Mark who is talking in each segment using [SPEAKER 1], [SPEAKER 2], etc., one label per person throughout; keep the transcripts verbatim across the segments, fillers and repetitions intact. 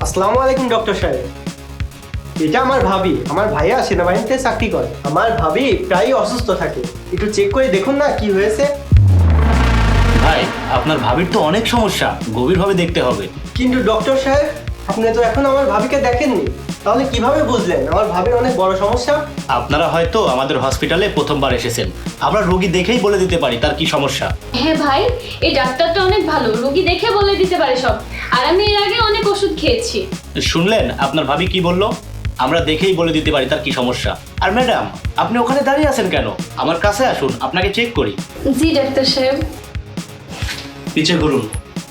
[SPEAKER 1] আসসালামু আলাইকুম ডক্টর সাহেব। এটা আমার ভাবি, আমার ভাইয়া সেনাবাহিনীতে চাকরি করে। আমার ভাবি প্রায়ই অসুস্থ থাকে, একটু চেক করে দেখুন না কি হয়েছে।
[SPEAKER 2] ভাই, আপনার ভাবির তো অনেক সমস্যা, গভীরভাবে দেখতে হবে।
[SPEAKER 1] কিন্তু ডক্টর সাহেব, আপনি তো এখন আমার ভাবিকে দেখেননি, তাহলে কিভাবে বুঝলেন আমার ভাবির অনেক বড় সমস্যা?
[SPEAKER 2] আপনারা হয়তো আমাদের হসপিটালে প্রথমবার এসেছেন, আমরা রোগী দেখেই বলে দিতে পারি তার কি সমস্যা।
[SPEAKER 3] হ্যাঁ ভাই, এই ডাক্তারটা অনেক ভালো, রোগী দেখে বলে দিতে পারে সব। আর আমি এর আগে অনেক ওষুধ খেয়েছি।
[SPEAKER 2] শুনলেন আপনার ভাবি কি বলল? আমরা দেখেই বলে দিতে পারি তার কি সমস্যা। আর ম্যাডাম, আপনি ওখানে দাঁড়িয়ে আছেন কেন? আমার কাছে আসুন, আপনাকে চেক করি।
[SPEAKER 3] জি ডাক্তার সাহেব।
[SPEAKER 2] পিছে ঘুরুন।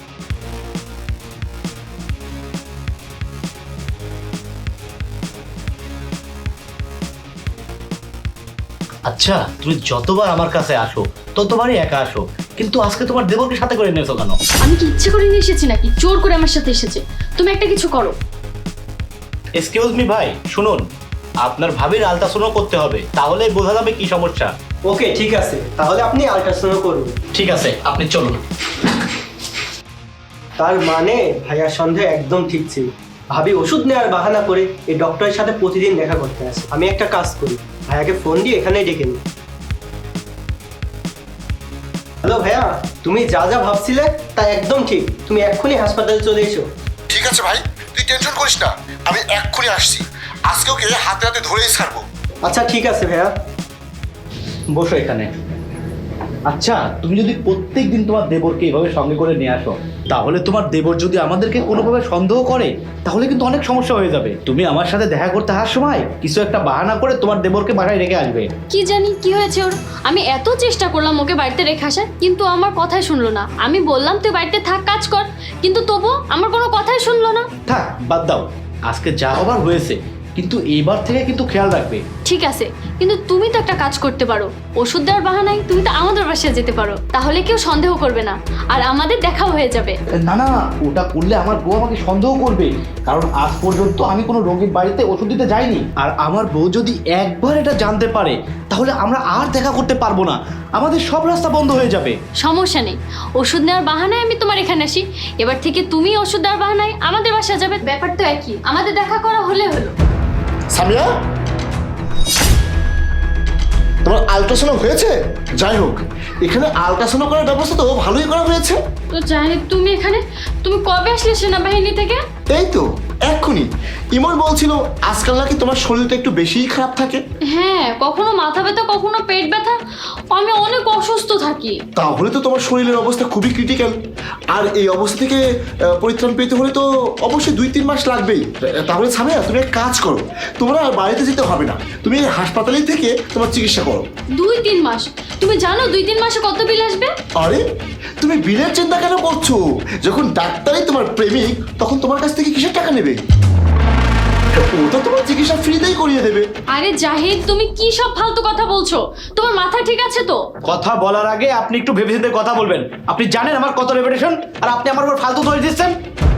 [SPEAKER 2] আচ্ছা, তুমি যতবার আমার কাছে আসো ততবারই একা আসো, কিন্তু আজকে তোমার দেবরকে সাথে করে এনেছো কেন?
[SPEAKER 3] আমি কি ইচ্ছে করে নিয়ে এসেছি নাকি জোর করে আমার সাথে এসেছে? তুমি একটা কিছু করো।
[SPEAKER 2] এক্সকিউজ মি ভাই, শুনুন, আপনার ভাবির আলট্রাসাউন্ড করতে হবে, তাহলেই বোঝা যাবে কি সমস্যা।
[SPEAKER 1] ওকে ঠিক আছে, তাহলে আপনি আল্ট্রাসাউন্ড করুন।
[SPEAKER 2] ঠিক আছে, আপনি চলুন।
[SPEAKER 1] তার মানে ভাইয়ার সন্দেহ একদম ঠিক ছিল। ভাবি ওষুধ নেওয়ার বাহানা করে এই ডক্টরের সাথে প্রতিদিন দেখা করতে আসে। আমি একটা কাজ করি, ভাইয়াকে ফোন দিয়ে এখানেই ডেকে নিই। হ্যালো ভাইয়া, তুমি যা যা ভাবছিলে তা একদম ঠিক। তুমি এক্ষুনি হাসপাতালে চলে এসো।
[SPEAKER 4] ঠিক আছে ভাই, তুই টেনশন করিস না, আমি এক্ষুনি আসছি। আজকে ওকে হাতে হাতে ধরেই ছাড়বো।
[SPEAKER 1] আচ্ছা ঠিক আছে ভাইয়া।
[SPEAKER 2] বসো এখানে। আচ্ছা, তুমি যদি প্রত্যেক দিন তোমার দেবরকে এভাবে সঙ্গে করে নিয়ে আসো, তাহলে তোমার দেবর যদি আমাদেরকে কোনোভাবে সন্দেহ করে, তাহলে কিন্তু অনেক সমস্যা হয়ে যাবে। তুমি আমার সাথে দেখা করতে আসার সময় কিছু একটা বাহানা করে তোমার দেবরকে বাসায় রেখে আসবে।
[SPEAKER 3] কি জানি কি হয়েছে ওর। আমি এত চেষ্টা করলাম ওকে বাড়িতে রেখে আসার, কিন্তু আমার কথাই শুনলো না। আমি বললাম তুই বাড়িতে থাক, কাজ কর, কিন্তু তবু আমার কোনো কথাই শুনলো না।
[SPEAKER 2] থাক, বাদ দাও, আজকে যা হবার হয়েছে, কিন্তু এইবার থেকে কিন্তু খেয়াল রাখবে।
[SPEAKER 3] ঠিক আছে, কিন্তু তুমি তো একটা কাজ করতে পারো। ওষুধ দেওয়ার বাহানায় তুমি তো আমাদের বাসায় যেতে পারো, তাহলে কেউ সন্দেহ করবে না আর আমাদের দেখাও হয়ে যাবে।
[SPEAKER 2] না না, ওটা করলে আমার বউ আমাকে সন্দেহ করবে, কারণ আজ পর্যন্ত আমি কোনো রোগীর বাড়িতে ওষুধ দিতে যাইনি। আর আমার বউ যদি একবার এটা জানতে পারে, তাহলে আমরা আর দেখা করতে পারবো না, আমাদের সব রাস্তা বন্ধ হয়ে যাবে।
[SPEAKER 3] সমস্যা নেই, ওষুধ নেওয়ার বাহানায় আমি তোমার এখানে আসি, এবার থেকে তুমি ওষুধ দেওয়ার বাহানায় আমাদের বাসায় যাবে। ব্যাপার তো একই, আমাদের দেখা করা হলে হলো।
[SPEAKER 4] সামিয়া, তোমার আল্ট্রাসাউন্ড হয়েছে? যাই হোক, এখানে আল্ট্রাসাউন্ড করার ব্যবস্থা তো ভালোই করা হয়েছে।
[SPEAKER 3] তো জানি তুমি এখানে, তুমি কবে আসলে সেনাবাহিনী থেকে?
[SPEAKER 4] এই তো এক্ষুনি। ইমন বলছিল আজকাল নাকি তোমার শরীরটা একটু বেশিই খারাপ থাকে।
[SPEAKER 3] হ্যাঁ, কখনো মাথা ব্যথা, কখনো পেট ব্যথা, আমি অনেক অসুস্থ থাকি।
[SPEAKER 4] তাহলে তো তোমার শরীরের অবস্থা খুবই ক্রিটিক্যাল। আর এই অবস্থা থেকে আহ, পরিত্রাণ পেতে হলে তো অবশ্যই দুই তিন মাস লাগবেই। তাহলে সামিয়া, তুমি এক কাজ করো, তোমরা আর বাড়িতে যেতে হবে না, তুমি এই হাসপাতালেই থেকে তোমার চিকিৎসা করো।
[SPEAKER 3] দুই তিন মাস? তুমি জানো দুই তিন মাসে কত বিল আসবে?
[SPEAKER 4] আরে তুমি বিলের চিন্তা কেন করছো? যখন ডাক্তারই তোমার প্রেমিক, তখন তোমার কাছ থেকে কিসের টাকা নেবে? ও তো তোমার চিকিৎসা ফ্রিতেই করিয়ে দেবে।
[SPEAKER 3] আরে জাহিদ, তুমি কি সব ফালতু কথা বলছো? তোমার মাথা ঠিক আছে তো?
[SPEAKER 2] কথা বলার আগে আপনি একটু ভেবেচিন্তে কথা বলবেন। আপনি জানেন আমার কত রেপুটেশন, আর আপনি আমার উপর ফালতু ধরে দিচ্ছেন।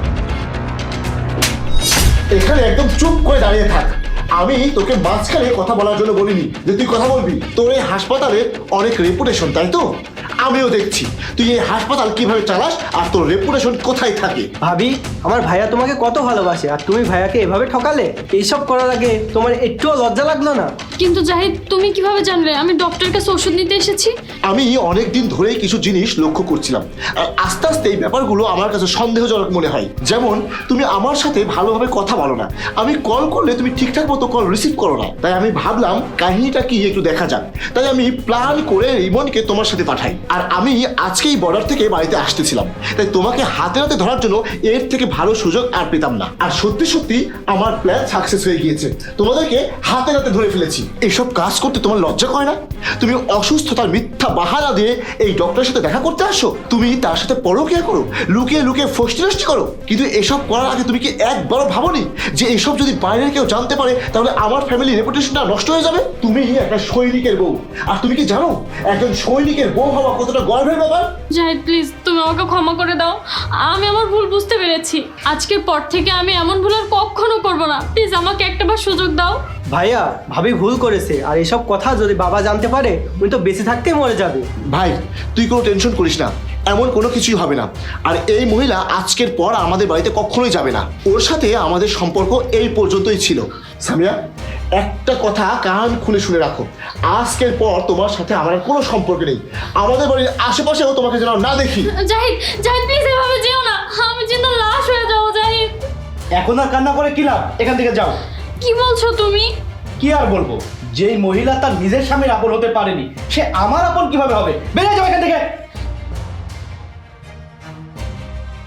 [SPEAKER 4] এখানে একদম চুপ করে দাঁড়িয়ে থাক। আমি তোকে মাঝখানে কথা বলার জন্য বলিনি যে তুই কথা বলবি। তোর এই হাসপাতালে অনেক রেপুটেশন, তাই তো? আমিও দেখছি তুই এই হাসপাতাল কিভাবে চালাস আর তোর রেপুটেশন কোথায় থাকে।
[SPEAKER 1] ভাবি, আমার ভাইয়া তোমাকে কত ভালোবাসে, আর তুমি ভাইয়াকে এভাবে ঠকালে। এইসব করার আগে তোমার একটুও লজ্জা লাগলো না?
[SPEAKER 3] কিন্তু জাহিদ, তুমি কিভাবে জানলে আমি ডক্টরের কাছে ওষুধ নিতে এসেছি?
[SPEAKER 4] আমি অনেক দিন ধরেই কিছু জিনিস লক্ষ্য করছিলাম, আর আস্তে আস্তে এই ব্যাপারগুলো আমার কাছে সন্দেহজনক মনে হয়। যেমন তুমি আমার সাথে ভালোভাবে কথা বলো না, আমি কল করলে তুমি ঠিকঠাক মতো কল রিসিভ করো না। তাই আমি ভাবলাম কাহিনীটা কি একটু দেখা যাক, তাই আমি প্ল্যান করে রিমনকে তোমার সাথে পাঠাই। আর আমি আজকেই বর্ডার থেকে বাড়িতে আসতেছিলাম, তাই তোমাকে হাতে হাতে ধরার জন্য এর থেকে ভালো সুযোগ আর পেতাম না। আর সত্যি সত্যি আমার প্ল্যান সাকসেস হয়ে গিয়েছে, তোমাদেরকে হাতে হাতে ধরে ফেলেছি। এইসব কাজ করতে তোমার লজ্জা করে না? তুমি অসুস্থতার মিথ্যা বাহানা দিয়ে এই ডক্টরের সাথে দেখা করতে আসো, তুমি তার সাথে পরকীয়া করো, লুকিয়ে লুকিয়ে ফষ্টি নষ্টি করো। কিন্তু এসব করার আগে তুমি কি একবারও ভাবোনি যে এসব যদি বাইরের কেউ জানতে পারে, তাহলে আমার ফ্যামিলি রেপুটেশনটা নষ্ট হয়ে যাবে? তুমি একটা সৈনিকের বউ, আর তুমি কি জানো একজন সৈনিকের বউ হওয়া কতটা গর্বের ব্যাপার?
[SPEAKER 3] জাহিদ প্লিজ, তুমি আমাকে ক্ষমা করে দাও, আমি আমার ভুল বুঝতে পেরেছি। আজকের পর থেকে আমি এমন ভুল আর কখনো করবো না। প্লিজ আমাকে একটাবার সুযোগ দাও।
[SPEAKER 1] ভাইয়া, ভাবি ভুল করেছে, আর এসব কথা যদি বাবা জানতে পারে উনি তো বেঁচে থাকতেই মরে যাবে।
[SPEAKER 4] ভাই তুই কোনো টেনশন করিস না, এমন কোনো কিছুই হবে না। আর এই মহিলা আজকের পর আমাদের বাড়িতে কখনোই যাবে না। ওর সাথে আমাদের সম্পর্ক এই পর্যন্তই ছিল। সামিয়া, একটা কথা কান খুলে শুনে রাখো, আজকের পর তোমার সাথে আমার আর কোনো সম্পর্ক নেই। আমাদের বাড়ির আশেপাশেও তোমাকে যেন না দেখি।
[SPEAKER 3] জাহিদ জাহিদ প্লিজ এভাবে যেও না, আমি চিন্তা লাশ হয়ে যাবো। জাহিদ,
[SPEAKER 2] এখন আর কান্না করে কি লাভ? এখান থেকে যাও।
[SPEAKER 3] কি বলছো তুমি?
[SPEAKER 2] কি আর বলবো, যেই মহিলা তার নিজের স্বামীর আপন হতে পারেনি, সে আমার আপন কিভাবে হবে? বেরিয়ে যাও এখান থেকে।